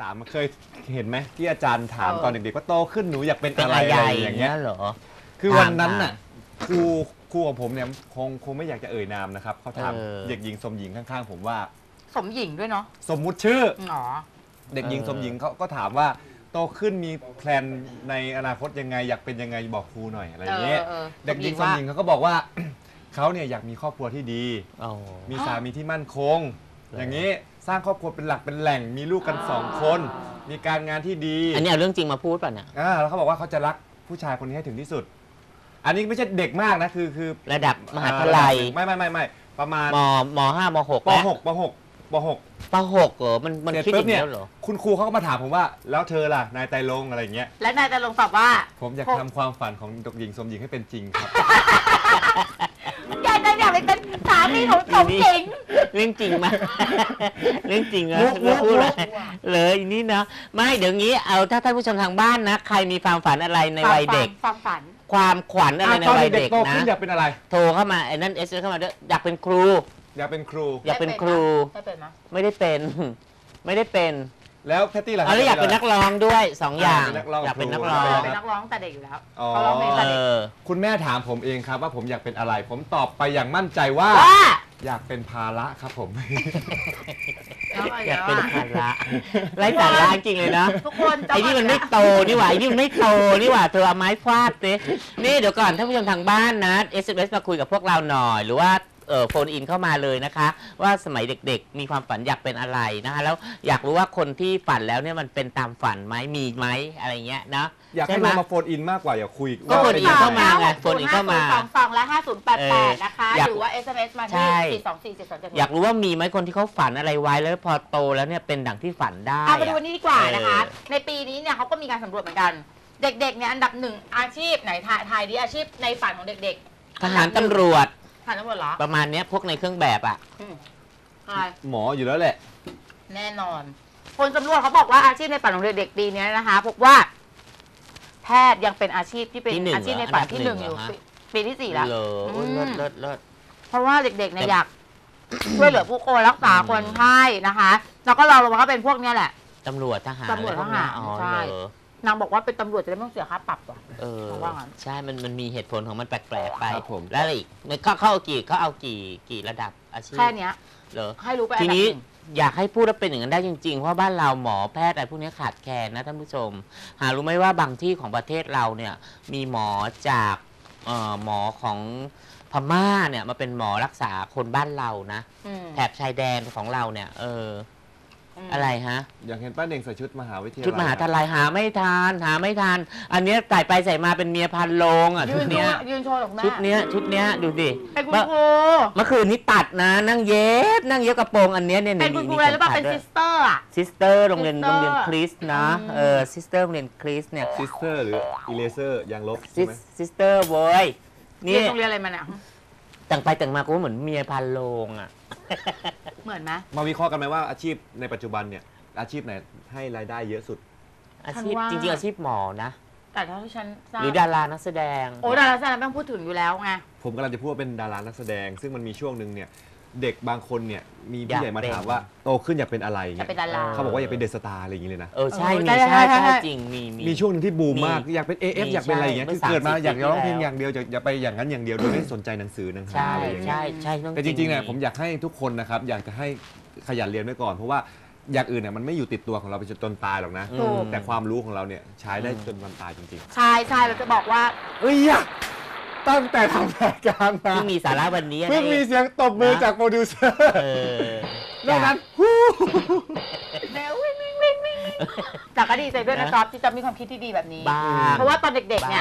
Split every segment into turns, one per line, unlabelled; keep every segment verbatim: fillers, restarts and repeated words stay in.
ามเคยเห็นไหมที่อาจารย์ถามตอนเด็กๆว่าโตขึ้นหนูอยากเป็นอะไรอย่างเงี้ย
เหรอ
คือวันนั้นน่ะครูครูของผมเนี่ยคงคงไม่อยากจะเอ่ยนามนะครับเขาถามเด็กหญิงสมหญิงข้างๆผมว่า
สมหญิงด้วยเนาะ
สมมุติชื่อ
อ๋อ
เด็กหญิงสมหญิงเขาก็ถามว่าโตขึ้นมีแพลนในอนาคตยังไงอยากเป็นยังไงบอกครูหน่อยอะไรอย่างเงี้ยเด็กหญิงสมหญิงเขาก็บอกว่าเขาเนี่ยอยากมีครอบครัวที่ดีมีสามีที่มั่นคงอย่างนี้สร้างครอบครัวเป็นหลักเป็นแหล่งมีลูกกันสองคนมีการงานที่ดี
อันนี้เอาเรื่องจริงมาพูดป่ะเนี่ย
อ่าแล้วเขาบอกว่าเขาจะรักผู้ชายคนนี้ให้ถึงที่สุดอันนี้ไม่ใช่เด็กมากนะคือคือ
ระดับมหาวิทยาลัย
ไม่ไม่ไม่ไม่ประมาณ
มมห้ามหก
ปหกปหกปหก
ปหกเหรอมันมันคิดอย่างนี้เหรอ
คุณครูเขาก็มาถามผมว่าแล้วเธอล่ะนายไตรรงค์อะไรอย่างเงี้ย
และนายไตรรงค์ตอบว่า
ผมอยากทำความฝันของเด็กหญิงสมหญิงให้เป็นจริงครับ
ยายอยากเป็นสามีของสมหญิง
เรื่องจริงมั้ยเรื่องจริงเหรอพูดเลยเลยนี่นะไม่เดี๋ยวงี้เอาถ้าท่านผู้ชมทางบ้านนะใครมีความฝันอะไรในวัยเด็ก
ความฝัน
ความขวัญอะไรในวัยเด็กนะ
อยากเป็นอะไร
โทรเข้ามาไอ้นั่นเอสเข้ามาด้วยอยากเป็นครู
อยากเป็นครู
อยากเป็นครู
ไม่เป็นนะ
ไม่ได้เป็นไม่ได้เป็น
แล้วแพตตี้ล่ะ
แล้วอยากเป็นนักร้องด้วยสองอย่างอยากเป็นนักร้อง
เป็นนักร้องแต่เด็กอยู่แล้วเขาร้องเพลงแต่เด็ก
คุณแม่ถามผมเองครับว่าผมอยากเป็นอะไรผมตอบไปอย่างมั่นใจว่าอยากเป็นภาระครับผม
อยากเป็นภาระไร้สาระจริงเลยนะ
ทุกคน
ไอ้นี่มันไม่โตนี่หว่าไอ้นี่มันไม่โตนี่หว่าเธอเอาไม้ฟาดสินี่เดี๋ยวก่อนท่านผู้ชมทางบ้านนะ เอส เอ็ม เอส มาคุยกับพวกเราหน่อยหรือว่าเอ่อโฟนอินเข้ามาเลยนะคะว่าสมัยเด็กๆมีความฝันอยากเป็นอะไรนะคะแล้วอยากรู้ว่าคนที่ฝันแล้วเนี่ยมันเป็นตามฝันไหมมีไหมอะไรเงี้ยนะ
อยากให้มาโฟนอินมากกว่าอย่าคุย
ก็โฟนอินเข้ามาไงโฟนอินเข้ามา
สองสองและห้าศูนย์แปดแปดนะคะหรือว่า เอส เอ็ม เอส มาที่สี่สองสี่เจ็ดสองเจ็ด
อยากรู้ว่ามีไหมคนที่เขาฝันอะไรไว้แล้วพอโตแล้วเนี่ยเป็นดังที่ฝันได้
เอาไปดูวันนี้ดีกว่านะคะในปีนี้เนี่ยเขาก็มีการสำรวจเหมือนกันเด็กๆเนี่ยอันดับหนึ่งอาชีพไหนทายดีอาชีพในฝันของเด็ก
ๆทหารตำรวจ
ทหารตำรวจเหรอ
ประมาณนี้พวกในเครื่องแบบอ่ะ
หมออยู่แล้วแหละ
แน่นอนคนสำรวจเขาบอกว่าอาชีพในฝันของเด็กๆปีนี้นะคะพบว่าแพทย์ยังเป็นอาชีพที่เป็นอาชีพในฝันที่หนึ่งอยู่ปีที่สี่แล้ว
เลิศเลิศเลิศ
เพราะว่าเด็กๆเนี่ยอยากช่วยเหลือผู้คนรักษาคนไข้นะคะแล้วก็เราลงมาก็เป็นพวกนี้แหละ
ตำรวจทหาร
ตำรวจทหารใช่นางบอกว่าเป็นตำรวจจะได้ไม่ต้องเสียค่าปรับว่ะ
เออใช่มันมันมีเหตุผลของมันแปลกๆไปแล้วอีกเขาเขาเอากี่เขาเอากี่กี่ระดับอาชีพ
แค่นี้
เหรอ
ให้รู้ไป
ทีนี้อยากให้พูดว่าเป็นอย่างนั้นได้จริงๆเพราะบ้านเราหมอแพทย์อะไรพวกนี้ขาดแคลนนะท่านผู้ชมหารู้ไหมว่าบางที่ของประเทศเราเนี่ยมีหมอจากหมอของพม่าเนี่ยมาเป็นหมอรักษาคนบ้านเรานะแถบชายแดนของเราเนี่ยเอออะไรฮะ
อยากเห็นป้าเน่งใส่ชุดมหาวิทยาลัย
ชุดมหาวิทยาลัยหาไม่ทานหาไม่ทานอันนี้ใส่ไปใส่มาเป็นเมียพันโลงอ่ะชุดเนี้ย
ยืนโชว์หรอกแม่
ชุดเนี้ยชุดเนี้ยดูดิ
เป็นคุณครู
เมื่อคืนนี้ตัดนะนั่งเย็บนั่งเย็บกระโปรงอันเนี้ยเนี่ย
เป็นคุณครูอะไรหรือเปล่าเป็นซิสเตอร์อ่ะ
ซิสเตอร์โรงเรียนโรงเรียนคริสนะเออซิสเตอร์โรงเรียนคริสเนี่ย
ซิสเตอร์หรืออีเลเซอร์ยางลบ
ใช่ไหมซิสเตอร์โว้ย
นี่โรงเรียนอะไรมาเนี่ย
แต่งไปแต่งมาก็เหมือนเมียพันโลงอ่ะ
เหมือนไหม
มาวิเคราะห์กันไหมว่าอาชีพในปัจจุบันเนี่ยอาชีพไหนให้รายได้เยอะสุด
อาชีพจริงๆอาชีพหมอนะ
แต่เท่าที่ฉันทราบ
หรือดารานักแสดง
โอ้ดารานักแสดงไม่ต้องพูดถึงอยู่แล้วไง
ผมกำลังจะพูดว่าเป็นดารานักแสดงซึ่งมันมีช่วงหนึ่งเนี่ยเด็กบางคนเนี่ยมีผู้ใหญ่มาถามว่าโตขึ้นอยากเป็นอะไรเงี้ยเขาบอกว่าอยากเป็นเดอะสตาร์อะไรอย่างเงี้ยเลยนะ
เออใช่มีใช่ใช่จริงมี
มีช่วงนึงที่บูมมากอยากเป็น เอ เอฟ อยากเป็นอะไรอย่างเงี้ยคือเกิดมาอยากร้องเพลงอย่างเดียวอย่าไปอย่างนั้นอย่างเดียวโดยไม่สนใจหนังสือหนังหาอะไรอย่างเงี้ยแต่จริงๆเนี่ยผมอยากให้ทุกคนนะครับอยากจะให้ขยันเรียนไว้ก่อนเพราะว่าอย่างอื่นเนี่ยมันไม่อยู่ติดตัวของเราไปจนตายหรอกนะแต่ความรู้ของเราเนี่ยใช้ได้จนวันตายจริง
ๆใช่ใช่เราจะบอกว่า
เอ้ยตั้งแต่ทำรายการมา
ที่มีสาระวันนี้
เพิ่งมีเสียงตบมือจากโปรดิวเซอร์ดังนั้นฮู้
เดี๋ยววิ่งวิ่งวิ่งวิ่งจากก็ดีใจด้วยนะจ๊อบที่จะมีความคิดที่ดีแบบนี้เพราะว่าตอนเด็กๆเนี่ย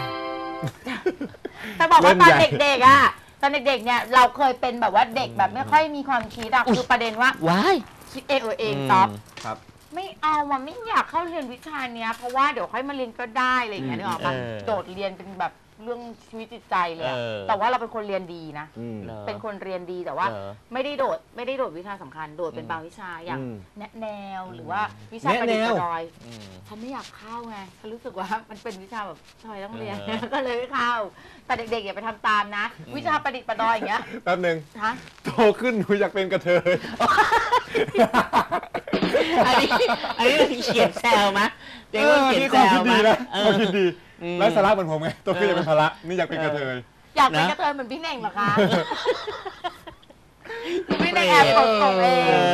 จะบอกว่าตอนเด็กๆอ่ะตอนเด็กๆเนี่ยเราเคยเป็นแบบว่าเด็กแบบไม่ค่อยมีความคิดอะคือประเด็นว่า
ว้าย
คิดเองเออเองจ๊อบไม่เอาอ่ะไม่อยากเข้าเรียนวิชาเนี้ยเพราะว่าเดี๋ยวค่อยมาเรียนก็ได้อะไรอย่างเงี้ยนึกออกปะโดดเรียนเป็นแบบเรื่องชีวิตจิตใจเลยแต่ว่าเราเป็นคนเรียนดีนะเป็นคนเรียนดีแต่ว่าไม่ได้โดดไม่ได้โดดวิชาสำคัญโดดเป็นบางวิชาอย่างแนะแนวหรือว่าวิชาประดิษฐ์ประดอยฉันไม่อยากเข้าไงฉันรู้สึกว่ามันเป็นวิชาแบบทำไมต้องเรียนก็เลยไม่เข้าแต่เด็กๆอย่าไปทำตามนะวิชาประดิษฐ์ประดอยอย่างเงี้ย
แป๊บนึงโตขึ้นหนูอยากเป็นกระเทย
อันนี้อันนี้มันเขียนแซวมะเด็กมันเขียนแซว
ดี
มะ
นะเขาคิดดีไร้สาระเหมือนผมไงตัวขึ้นจะเป็นภาระนี่อยากเป็นกระเทย
อยากเป็นกระเทยเหมือนพี่เน่งเหรอคะพี่เน่งแอบตกตกเอง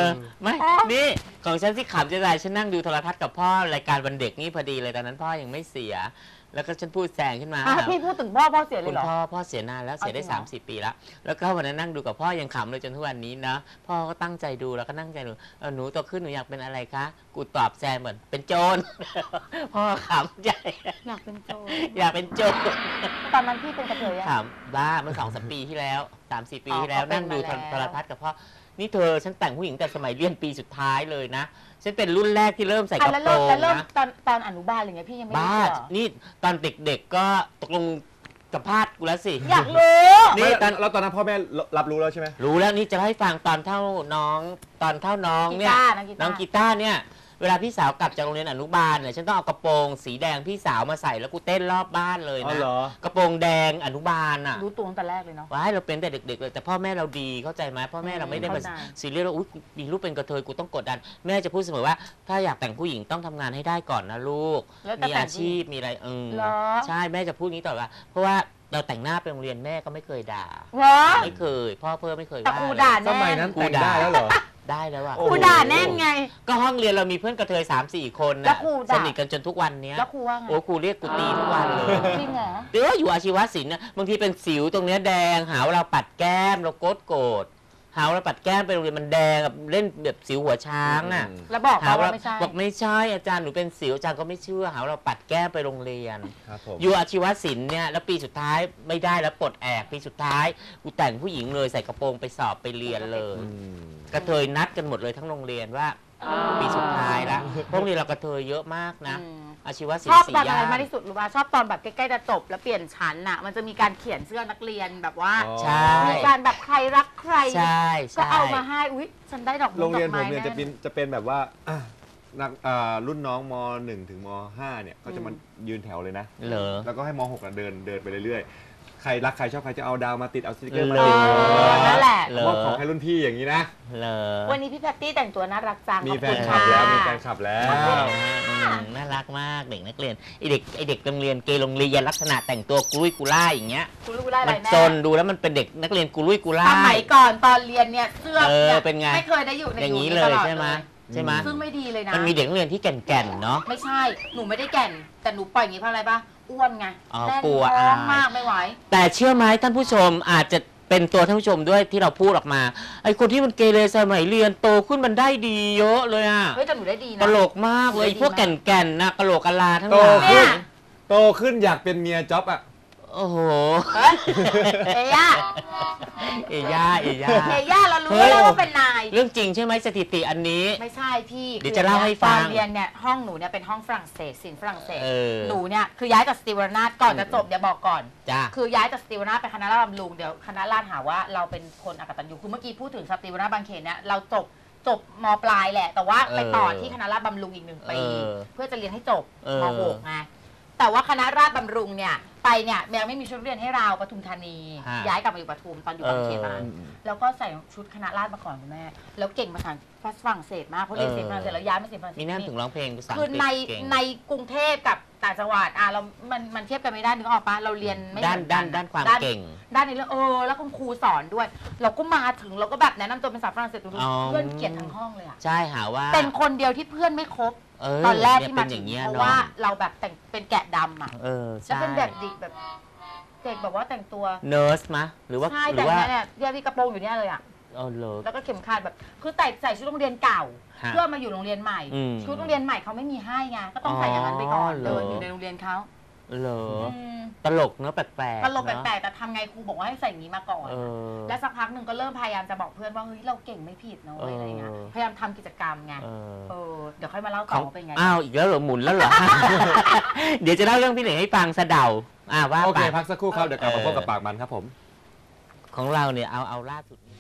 ไม่นี่ของฉันที่ขำจะได้ฉันนั่งดูโทรทัศน์กับพ่อรายการวันเด็กนี่พอดีเลยตอนนั้นพ่อยังไม่เสียแล้วก็ฉันพูดแซงขึ้นมา
พี่พูดถึงพ่อพ่อเสียเล
คุ
ย
ณ
เหรอ
พ่อพ่อเสียนานแล้วเสียได้สามสิบปีแล้วแล้วก็วันนั้นนั่งดูกับพ่อยังขำเลยจนทุกวันนี้นะพ่อก็ตั้งใจดูแล้วก็นั่งใจดูหนูโตขึ้นหนูอยากเป็นอะไรคะกูตอบแซงเหมือนเป็นโจรพ่อขำใจ
อยากเป็นโจร
อยากเป็นโจร
ตอนนั้นพี่เป็นกระเทยอะ
ขำบ้าเมื่อสองสามปีที่แล้วสามสี่ปีที่แล้วนั่งดูโทรทัศน์กับพ่อนี่เธอฉันแต่งผู้หญิงแต่สมัยเรียนปีสุดท้ายเลยนะฉันเป็นรุ่นแรกที่เริ่มใส่กระโปรง
แล้วเริ่ม
นะ
ตอนตอนอนุบาลอะไรเงี้ยพี่ยังไม่
บ้า
รู้เหรอ
นี่ตอนเด็กๆก็ตกลงกับพาดกูแล้วสิ
อยากรู้
นี่ตอนแล้วตอนนั้นพ่อแม่รับรู้แล้วใช่ไหม
รู้แล้วนี่จะให้ฟังตอนเท่าน้องตอนเท่าน้องเนี่ยน้องกีตาร์เนี่ยเวลาพี่สาวกลับจากโรงเรียนอนุบาลเนี่ยฉันต้องเอากระโปรงสีแดงพี่สาวมาใส่แล้วกูเต้นรอบบ้านเลย
อ๋อ
นะ
เหรอ
กระโปรงแดงอนุบาลอ่ะ
รู้ตัวตั้งแต่แรกเลยเนาะ
ว้ายเราเป็นแต่เด็กๆเลยแต่พ่อแม่เราดีเข้าใจไหมพ่อแม่เราไม่ได้มา
เข้าใจ
ซีเรียสว่าอุ๊ยมีลูกเป็นกระเทยกูต้องกดดันแม่จะพูดเสมอว่าถ้าอยากแต่งผู้หญิงต้องทำงานให้ได้ก่อนนะลูก
แล้วจะ
มี
แต่ง
อาชีพมีอะไรเออ
เหรอ
ใช่แม่จะพูดนี้ตลอดว่าเพราะว่าเราแต่งหน้าไปโรงเรียนแม่ก็ไม่เคยด่า
เหรอ
ไม่เคย พ่อเพิ่มไม่เคย
แต่
ว่า
ครู
เลย
ด่า
ส
แน่
มัยนั้นแต่งได้แล้วเหรอ
ได้แล้วอ่ะ
โอ้
ครูด่าแน่นไง
ก็ห้องเรียนเรามีเพื่อนกระเทยสามสี่คน
แล้
นะ
วครู
ส
ด่า
นิทกันจนทุกวันเนี้ย
แล้วครูว่าไง
โอ้ครูเรียกกูตีทุกวันเลย
จริงเหรอ
เดี๋ยวอยู่อาชีวศิลป์เนี่ยบางทีเป็นสิวตรงเนี้ยแดงหาว่าเราปัดแก้มเราโกรธโกรธหาว่าเราปัดแก้มไปโรงเรียนมันแดงแบบเล่นแบบสิวหัวช้างอ่ะ
แล้วบอก
หา
เขา
ว่า
ว่าไม่ใช่
บอกไม่ใช่อาจารย์หนูเป็นสิวอาจารย์ก็ไม่เชื่อหาว่าเราปัดแก้มไปโรงเรียน
ครับผม
อยู่อาชีวศิลป์เนี่ยแล้วปีสุดท้ายไม่ได้แล้วปลดแอกปีสุดท้ายกูแต่งผู้หญิงเลยใส่กระโปรงไปสอบไปเรียนเลย
อืม
กระเทยนัดกันหมดเลยทั้งโรงเรียนว่าปีสุดท้ายละเพราะโรงเรียนเรากระเทยเยอะมากนะ
อืม
อาชีวศิล
ชอบ
ป์สี่
ตอนอะไร
ย่าน
มากที่สุดรู้ป่ะชอบตอนแบบใกล้ๆจะจบแล้วเปลี่ยนชั้นน่ะมันจะมีการเขียนเสื้อนักเรียนแบบว่า
อ๋อ
ใช่
มีการแบบใครรักใคร
ใช่
ก็
ใช่
เอามาให้อุ๊ยฉันได้ดอก
โรงเรียน
ด
ผ
อก
ม
ไ
เนี่ยจะเป็นจะเป็นแบบว่าอ่ะนักอ่ารุ่นน้องมหนึ่งถึงมห้าเนี่ยเขาจะมายืนแถวเลยนะ
เหรอ
แล้วก็ให้มหกอ่ะเดินเดินไปเรื่อยๆ ใครรักใครชอบใครจะเอาดาวมาติดเอาสติกเกอร์มา
เหร
ติด
อนั่นแหละ
เหรอ
มอบของให้รุ่นพี่อย่างนี้นะ
เหรอ
วันนี้พี่แพตตี้แต่งตัวน่ารักจัง
มี
ขอบ
แฟ
คุ
น
ณ
คลับ
ค่ะ
แล้วมีแฟนคลับแล้ว
อืมน่ารักมากเด็กนักเรียนไอเด็กไอเด็กโรงเรียนเกย์โรงเรียนลักษณะแต่งตัวกุลุยกุล่ายอย่างเงี้ย
คุณรู้ได้อะไร
มัน
แม่
ซนดูแล้วมันเป็นเด็กนักเรียนกุลุยกุล่า
สมั
ย
ยก่อนตอนเรียนเนี่ยเสื้อ
เออ
เนี่ย
เป็นไง
ไม่เคยได้อยู่ใน
อย่างนี้
นี้
เล
ต
ย
ลอด
ใช่ไหม
เลย
ใช่ไหม
ซึ่งไม่ดีเลยนะ
มันมีเด็กนักเรียนที่แก่นๆเนาะ
ไม่ใช่ หนูไม่ได้แก่น แต่หนูปล่อยอย่างนี้เพราะอะไรปะอ้วนไง
อ๋อ
แน่น
กลัว
ท้อง
อาย
มากไม่ไหว
แต่เชื่อไหมท่านผู้ชมอาจจะเป็นตัวท่านผู้ชมด้วยที่เราพูดออกมาไอคนที่มันเกเรสมัยเรียนโตขึ้นมันได้ดีเยอะเลยอะ
เฮ้ยแต่หนูได้ดีนะ
ตลกมากเลย
ได้ดี
พวก
มาก
แก่นๆนะกะโหลกกะลาทั้งห
โต
ลาย
ขึ้น
เนี่ย
โตขึ้นอยากเป็นเมียจ๊อบอ่ะ
โอ้โห
เฮ้ยเอย่า
เอย่าเอย่า
เอย่าเรารู้
เฮ้ย
แล้วว่าเป็นนาย
เรื่องจริงใช่ไหมสถิติอันนี้
ไม่ใช่พี่
เดี๋ยวจะเล่าให้ฟัง
ตอนเรียนเนี่ยห้องหนูเนี่ยเป็นห้องฝรั่งเศสศิลป์ฝรั่งเศส
เออ
หนูเนี่ยคือย้ายจากสติวรนาถก่อนจะจบเดี๋ยวบอกก่อน
จ้า
คือย้ายจากสติวรนาถไปคณะราษฎรบำรุงเดี๋ยวคณะราษฎรหาว่าเราเป็นคนอกตัญญูคือเมื่อกี้พูดถึงสติวรนาถบางเขนเนี่ยเราจบจบมปลายแหละ แต่ว่าไปต่อที่คณะราษฎรบำรุงอีกหนึ่งปี
เออ
เพื่อจะเรียนให้จบ
เออ
มหกไงแต่ว่าคณะราษฎรบำรุงเนี่ยไปเนี่ยยังไม่มีชุดนักเรียนให้เราปทุมธานี
ฮะ
ย้ายกลับมาอยู่ปทุมตอนอยู่บางเขนมา
เออ
แล้วก็ใส่ชุดคณะราษฎรมาก่อนคุณแม่แล้วเก่งภาษาฝรั่งเศสมากเพราะเรียน
เออ
ศิลป์ฝรั่งเศสแล้วย้ายมาศิลป์ฝรั่งเศส
มีนั่นถึงร้องเพลงภาษาอัง
คื
ก
อ
ฤษ
ใน
เก่ง
ในกรุงเทพกับต่างจังหวัดอ่ะเรา มัน มันเทียบกันไม่ได้นึกออกปะเราเรียนไม่
ด้าน
เหมือกั
ด้านด้านความเก่ง
ด้านในเรื่องเออแล้วคุณครูสอนด้วย เราก็มาถึงเราก็แบบแนะนำตัวเป็นภาษาฝรั่งเศสดู
อ๋อ
เพื่อนเกลียดทั้งห้องเลยอ่ะ
ใช่หาว่า
เป็นคนเดียวที่เพื่อนไม่คบ
เออ
ตอนแรกที่
เนี่ย
มา
เป็นอ
ถึง
ย่างเงี้ย
เพราะ
เนาะ
ว่าเราแบบแต่งเป็นแกะดำอ่ะ
เออ
จะ
ใช่
เป็นแบบดิกแบบเด็กแบบว่าแต่งตัว
เนิร์สมะหรือว่า
ใช่
หรื
แต่
อว่า
งเนี่ยเนี่ยที่กระโปรงอยู่เนี่ยเลยอ่ะ
เออเหรอ
แล้วก็เข็มขัดแบบคือแต่ใส่ชุดโรงเรียนเก่า
ฮะ
เพื่อมาอยู่โรงเรียนใหม่
อืม
ชุดโรงเรียนใหม่เขาไม่มีให้ไงก็ต้องใส่อย่างนั้นไปก่อน
อ๋อเหรอ
เดินอยู่ในโรงเรียนเขา
เหรอ
ม
ตลกเนอะแปลกๆ
ตลกแป
เนอะ
ลกๆแต่ทำไงครูบอกว่าให้ใส่อย่างนี้มาก่อน
เออ
แล้วสักพักหนึ่งก็เริ่มพยายามจะบอกเพื่อนว่าเฮ้ยเราเก่งไม่ผิดนะเว้ยอะไรเงี้ย
เออ
พยายามทำกิจกรรมไง
เออ
เออเดี๋ยวค่อยมาเล่าต่
เขา
อว่าเป็นไง
อ้าวอีกแล้วเหรอหมุนแล้วเหรอ เดี๋ยวจะเล่าเรื่องพี่เหน่งให้ฟังสะเดาอ่าว่า
โอ
ไป
เคพักสักครู่ครับเดี๋ยวกลับมาพบกับปากมันครับผม
ของเราเนี่ยเอาเอาล่าสุด